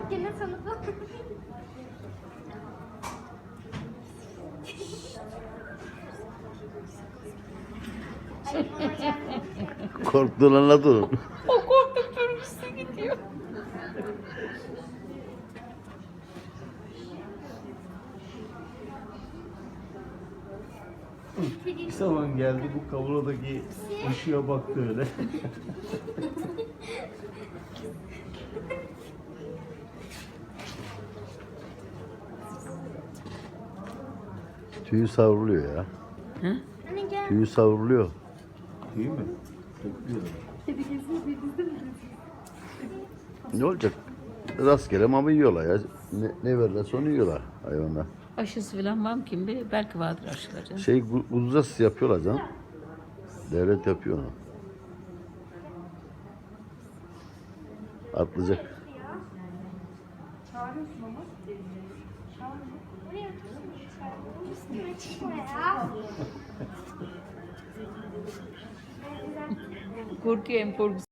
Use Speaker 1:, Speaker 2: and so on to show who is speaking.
Speaker 1: Gene tanıdım.
Speaker 2: Korktuğunu anladın.
Speaker 3: O korktukça üstüne gidiyor.
Speaker 2: Bir zaman geldi bu kavuradaki ışığa baktı öyle. Tüyü savruluyor ya.
Speaker 3: Hı?
Speaker 1: Anne gel.
Speaker 2: Tüyü savruluyor. Tüy mü? Dökülüyor.
Speaker 1: Kedi gezini denizde mi?
Speaker 2: Ne olacak? Rastgele mama yiyorlar ya. Ne verirlerse onu yiyorlar hayvanlar.
Speaker 3: Aşısı falan var mı kim bilir? Belki vardır aşıları.
Speaker 2: Şey uzasız yapıyorlar canım. Devlet yapıyor onu. Atlayacak.
Speaker 1: Çağırıyorsun ama. Oraya üstüme çıkma ya.
Speaker 3: Korkuyor hem korkusu.